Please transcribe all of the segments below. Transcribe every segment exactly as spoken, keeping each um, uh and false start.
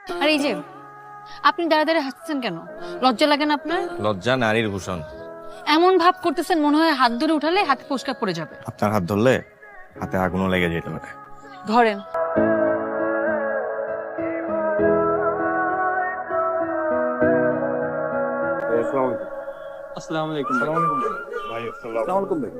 আর এই যে আপনি দাঁড়া দাঁড়া হাসছেন কেন? লজ্জা লাগে না আপনার? লজ্জা নারীর ভূষণ। এমন ভাব করতেছেন মনে হয় হাত ধরে উঠালে হাত ফসকা পড়ে যাবে। আপনার হাত ধরলে হাতে আগুনও লেগে যেতে পারে। ধরেন। আসসালামু আলাইকুম ভাই। আসসালামু আলাইকুম ভাই।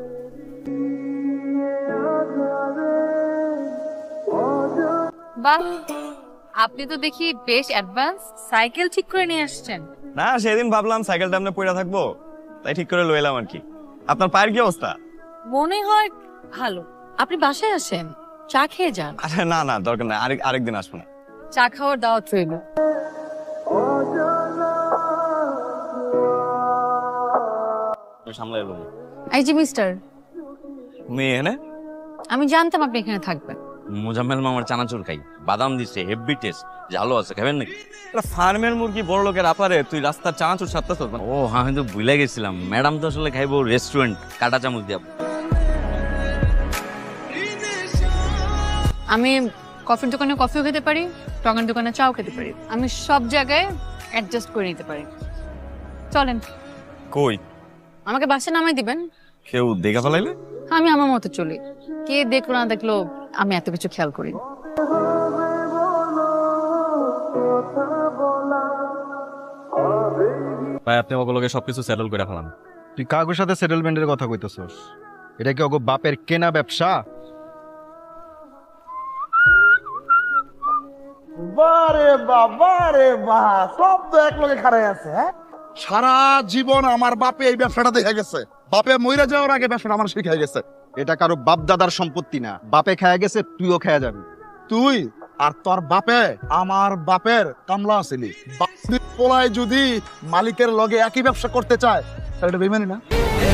বাহ, আপনি তো দেখি বেশ অ্যাডভান্স। সাইকেল ঠিক করে নিয়ে আসছেন? না, সেদিন ভাবলাম সাইকেলটা আপনি পড়ে থাকবো, তাই ঠিক করে লইলাম আর কি। আপনার পায়ের কি অবস্থা? মনে হয় ভালো। আপনি বাসায় আসেন, চা খেয়ে যান। আরে না না, দরকার নাই, আরেক আরেকদিন আসবো না। চা খাওয়ার দাওয়াত রইল। সামলাই বলবো। এই যে মিস্টার, মেয়ে এনে আমি জানতাম আপনি এখানে থাকবেন। মোজাম্মেল মামার চানাচুর খাই, বাদাম দিছে, হেভি টেস্ট, জালো আছে, খাবেন নাকি? ফার্মের মুরগি বড় লোকের আপারে, তুই রাস্তার চানাচুর সাতটা চল। ও হ্যাঁ, আমি তো ভুলে গেছিলাম, ম্যাডাম তো আসলে খাইবো রেস্টুরেন্ট, কাটা চামচ দিয়া। আমি কফির দোকানে কফিও খেতে পারি, টঙের দোকানে চাও খেতে পারি। আমি সব জায়গায় অ্যাডজাস্ট করে নিতে পারি। চলেন, কই আমাকে বাসে নামাই দিবেন। কেউ দেখা ফেলাইলে? আমি আমার মতো চলি, কে দেখলো না দেখলো আমি এত কিছু খেয়াল করি না। ভাই আপনি ওগুলোকে সবকিছু সেটেল করে ফেলান। তুই কাগজের সাথে সেটেলমেন্টের কথা কইতেছস? এটা কি ওগো বাপের কেনা ব্যবসা? বারে বাবা রে বা, সব তো এক লগে খাড়াই আছে। হ্যাঁ, সারা জীবন আমার বাপে এই ব্যবসাটা দেখে গেছে। বাপে মইরা যাওয়ার আগে ব্যবসাটা আমার শিখাই গেছে। এটা কারো বাপ দাদার সম্পত্তি না, বাপে খায়া গেছে, তুইও খায়া যাবি। তুই আর তোর বাপে আমার বাপের কামলা আছিলি। বাপের পোলায় যদি মালিকের লগে একই ব্যবসা করতে চায় তাহলে এটা বেইমানি না?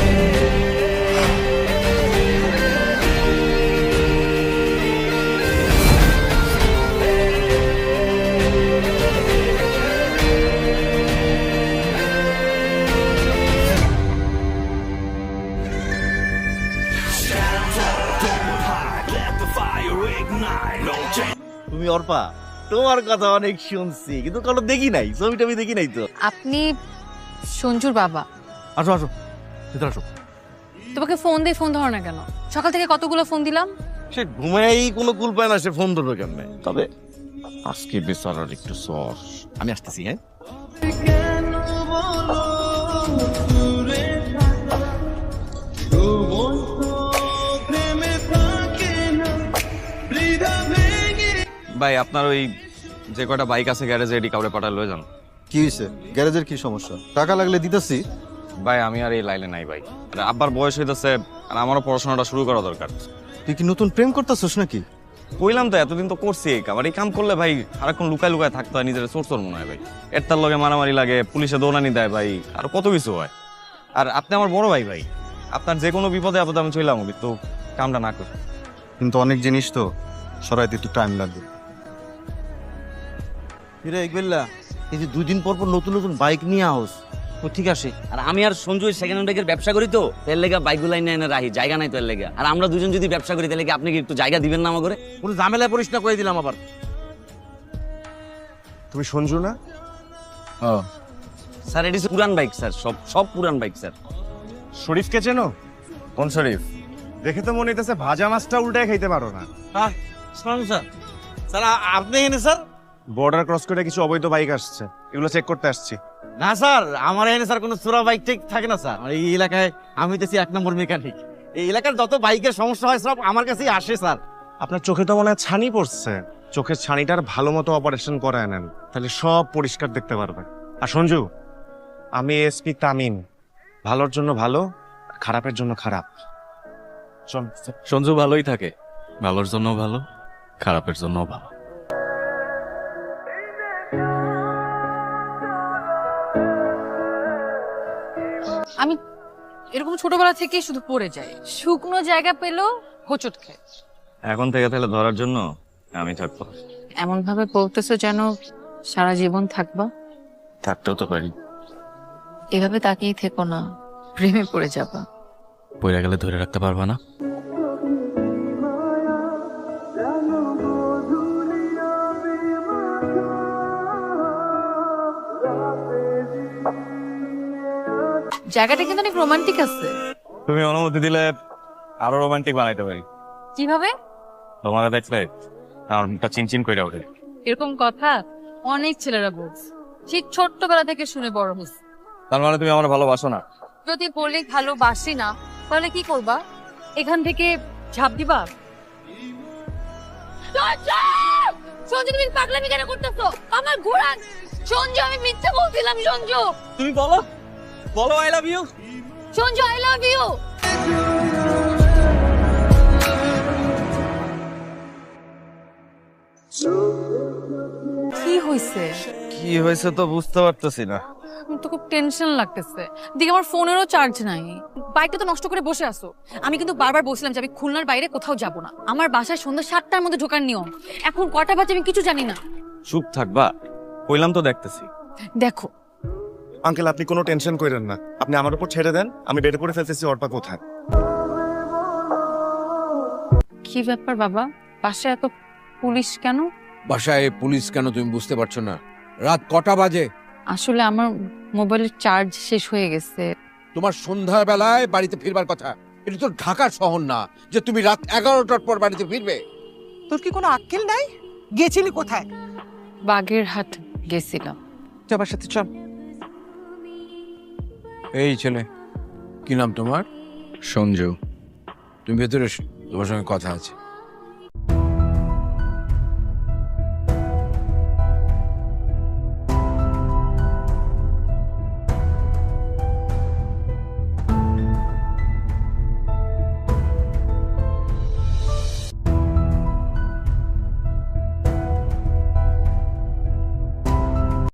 তুমি অর্পা, তোমার কথা অনেক শুনছি, কিন্তু কোনো দেখি নাই, ছবিটা আমি দেখি নাই তো। আপনি সঞ্জুর বাবা? আসো আসো, ভিতরে আসো। তোমাকে ফোন দিয়ে ফোন ধরো না কেন? সকাল থেকে কতগুলো ফোন দিলাম। সে ঘুমাই কোনো কুল পায় না, সে ফোন ধরবে কেমনে? তবে আজকে বেচারার একটু সর, আমি আসতেছি। হ্যাঁ, ভাই আপনার ওই যে কয়টা বাইক আছে গ্যারেজে, এডি কাউরে পাঠায় লয়ে যান। কি হইছে? গ্যারেজের কি সমস্যা? টাকা লাগলে দিতেছি। ভাই আমি আর এই লাইনে নাই ভাই, আর আব্বার বয়স হইতেছে, আর আমারও পড়াশোনাটা শুরু করা দরকার। তুই কি নতুন প্রেম করতেছস নাকি? কইলাম তো এতদিন তো করছি এই কাম, আর এই কাম করলে ভাই সারাক্ষণ লুকায় লুকায় থাকতে হয়, নিজের চোর চোর মনে হয় ভাই। এরটার লগে মারামারি লাগে, পুলিশে দৌড়ানি দেয় ভাই, আর কত কিছু হয়। আর আপনি আমার বড় ভাই ভাই, আপনার যে কোনো বিপদে আপদে আমি চইলাম, তো কামটা না করি। কিন্তু অনেক জিনিস তো সরাইতে একটু টাইম লাগবে। ফিরে একবেলা এই যে দুই দিন পর পর নতুন নতুন বাইক নিয়ে আহস, ও ঠিক আছে। আর আমি আর সঞ্জু সেকেন্ড হ্যান্ড বাইকের ব্যবসা করি, তো এর লেগা বাইকগুলো এনে এনে রাখি, জায়গা নাই তো এর লেগা। আর আমরা দুজন যদি ব্যবসা করি তাহলে কি আপনি কি একটু জায়গা দিবেন না আমার করে? কোনো ঝামেলা পরিষ্কার করে দিলাম আবার। তুমি সঞ্জু না? স্যার এটি পুরান বাইক স্যার, সব সব পুরান বাইক স্যার। শরীফকে চেনো? কোন শরীফ? দেখে তো মনে হইতেছে ভাজা মাছটা উল্টায় খাইতে পারো না। হ্যাঁ স্যার, স্যার আপনি এনে স্যার? বর্ডার ক্রস করে কিছু অবৈধ বাইক আসছে, এগুলো চেক করতে আসছি। না স্যার, আমার এখানে স্যার কোনো চোরা বাইক ঠিক থাকে না স্যার। এই এলাকায় আমি তো এক নম্বর মেকানিক, এই এলাকার যত বাইকের সমস্যা হয় সব আমার কাছেই আসে স্যার। আপনার চোখে তো মনে হয় ছানি পড়ছে, চোখের ছানিটার ভালো মতো অপারেশন করায় নেন, তাহলে সব পরিষ্কার দেখতে পারবেন। আর সঞ্জু, আমি এসপি তামিম, ভালোর জন্য ভালো, খারাপের জন্য খারাপ। চল। সঞ্জু ভালোই থাকে, ভালোর জন্য ভালো, খারাপের জন্য ভালো। আমি এরকম ছোটবেলা থেকেই শুধু পড়ে যাই, শুকনো জায়গা পেলেও হোঁচট খাই। এখন থেকে তাহলে ধরার জন্য আমি থাকবো। এমন ভাবে বলতেছো যেন সারা জীবন থাকবা। থাকতেও তো পারি। এভাবে তাকিয়ে থেকো না, প্রেমে পড়ে যাবা। পড়ে গেলে ধরে রাখতে পারবা না। জায়গাটা কিন্তু অনেক রোমান্টিক আছে। তুমি অনুমতি দিলে আরো রোমান্টিক বানাইতে পারি। কিভাবে? তোমার দেখলে আমার মুখটা চিনচিন করে ওঠে। এরকম কথা অনেক ছেলেরা বলছে, সেই ছোট্টবেলা থেকে শুনে বড় হয়েছে। তার মানে তুমি আমার ভালোবাসো না? যদি বলি ভালোবাসি না, তাহলে কি করবা? এখান থেকে ঝাঁপ দিবা? সঞ্জু, তুমি পাগলামি কেন করতেছো? আমার ঘোড়া সঞ্জু, আমি মিথ্যে বলছিলাম সঞ্জু। তুমি বলো বলো I love you. Sanju, I love you. কি হইছে? কি হয়েছে তো বুঝতে পারতেছি না। আমার তো খুব টেনশন লাগতেছে। দিকে আমার ফোনেরও চার্জ নাই। বাইকটা তো নষ্ট করে বসে আছো। আমি কিন্তু বারবার বলছিলাম যে আমি খুলনার বাইরে কোথাও যাব না। আমার বাসায় সন্ধ্যা সাতটার মধ্যে ঢোকার নিয়ম। এখন কটা বাজে আমি কিছু জানি না। চুপ থাকবা, কইলাম তো দেখতেছি। দেখো আঙ্কেল, আপনি কোনো টেনশন করেন না, আপনি আমার উপর ছেড়ে দেন, আমি বের করে ফেলতেছি অর্পা কোথায়। কি ব্যাপার বাবা, বাসায় এত পুলিশ কেন? বাসায় পুলিশ কেন তুমি বুঝতে পারছো না? রাত কটা বাজে? আসলে আমার মোবাইলের চার্জ শেষ হয়ে গেছে। তোমার সন্ধ্যার বেলায় বাড়িতে ফিরবার কথা। এটা তো ঢাকা শহর না যে তুমি রাত এগারোটার পর বাড়িতে ফিরবে। তোর কি কোনো আক্কেল নাই? গেছিলি কোথায়? বাগেরহাট গেছিলাম। তুই আমার সাথে চল। এই ছেলে, কি নাম তোমার? সঞ্জু। তুমি ভেতরে এসো, তোমার সঙ্গে কথা আছে।